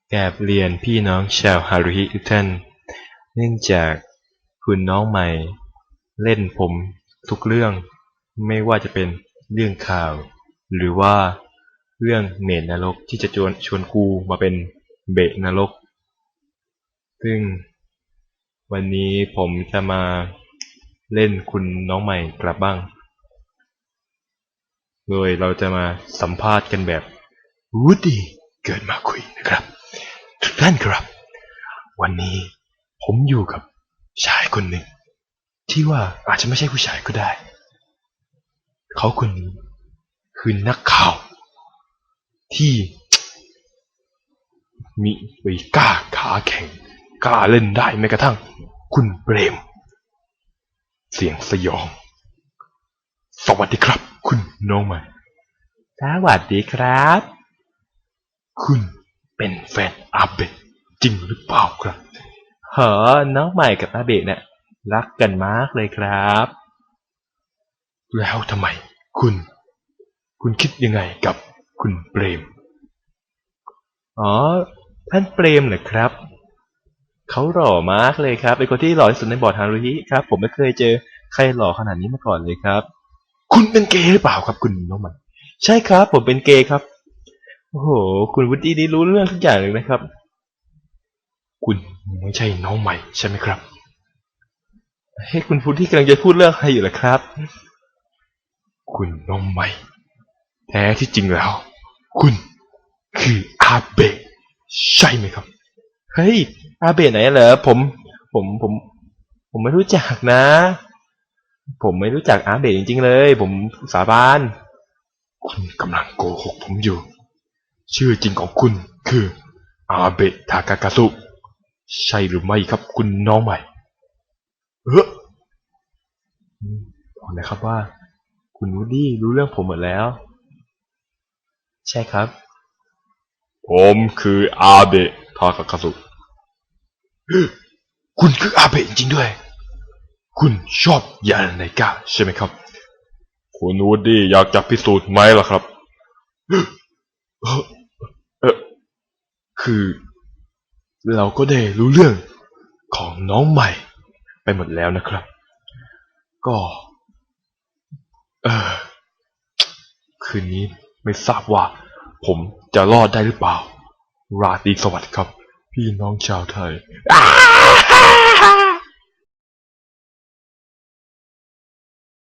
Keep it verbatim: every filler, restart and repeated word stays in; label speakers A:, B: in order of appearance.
A: กราบเรียนพี่น้องชาวฮารุฮิทุกท่านเนื่องจากคุณน้องใหม่เล่นผมทุกเรื่องไม่ว่าจะเป็นเรื่องข่าวหรือว่าเรื่องเมดนรกที่จะชวนชวนกูมาเป็นเบะนรกซึ่งวันนี้ผมจะมาเล่นคุณน้องใหม่กลับบ้างโดยเราจะมาสัมภาษณ์กันแบบวูดดี้เกิดมาคุยนะครับทุกท่านครับวันนี้ผมอยู่กับชายคนหนึ่งที่ว่าอาจจะไม่ใช่ผู้ชายก็ได้เขาคนนี้คือนักข่าวที่มีวีกล้าขาแข็งกล้าเล่นได้แม้กระทั่งคุณเปรมเสียงสยองสวัสดีครับคุณน้องใหม่สวัสดีครับคุณเป็นแฟนอาเบะจริงหรือเปล่าครับเหรอน้องใหม่กับอาเบะเนี่ยรักกันมากเลยครับแล้วทำไมคุณคุณคิดยังไงกับคุณเปรมอ๋อท่านเปรมเหรอครับเขาหล่อมากเลยครับเป็นคนที่หล่อที่สุดในบอร์ดฮารุฮิครับผมไม่เคยเจอใครหล่อขนาดนี้มาก่อนเลยครับคุณเป็นเกย์หรือเปล่าครับคุณน้องใหม่ใช่ครับผมเป็นเกย์ครับโอ้โหคุณวุฒินี่รู้เรื่องทุกอย่างเลยนะครับคุณไม่ใช่น้องใหม่ใช่ไหมครับเฮ้ยคุณวุฒิกำลังจะพูดเรื่องอะไรอยู่ล่ะครับคุณน้องใหม่แท้ที่จริงแล้วคุณคืออาเบะใช่ไหมครับเฮ้ยอาเบะไหนเหรอผมผมผมผมไม่รู้จักนะผมไม่รู้จักอาเบะจริงๆเลยผมสาบานคุณกำลังโกหกผมอยู่ชื่อจริงของคุณคืออาเบะทากากาสุใช่หรือไม่ครับคุณน้องใหม่เออบอกเลยครับว่าคุณวูดดี้รู้เรื่องผมหมดแล้วใช่ครับผมคืออาเบะทากากาสุคุณคืออาเบะจริงๆด้วยคุณชอบยานาฬิกาใช่ไหมครับคุณวูดดี้อยากจะพิสูจน์ไหมล่ะครับเออเออคือเราก็ได้รู้เรื่องของน้องใหม่ไปหมดแล้วนะครับก็เออคืนนี้ไม่ทราบว่าผมจะรอดได้หรือเปล่าราตรีสวัสดิ์ครับพี่น้องชาวไทย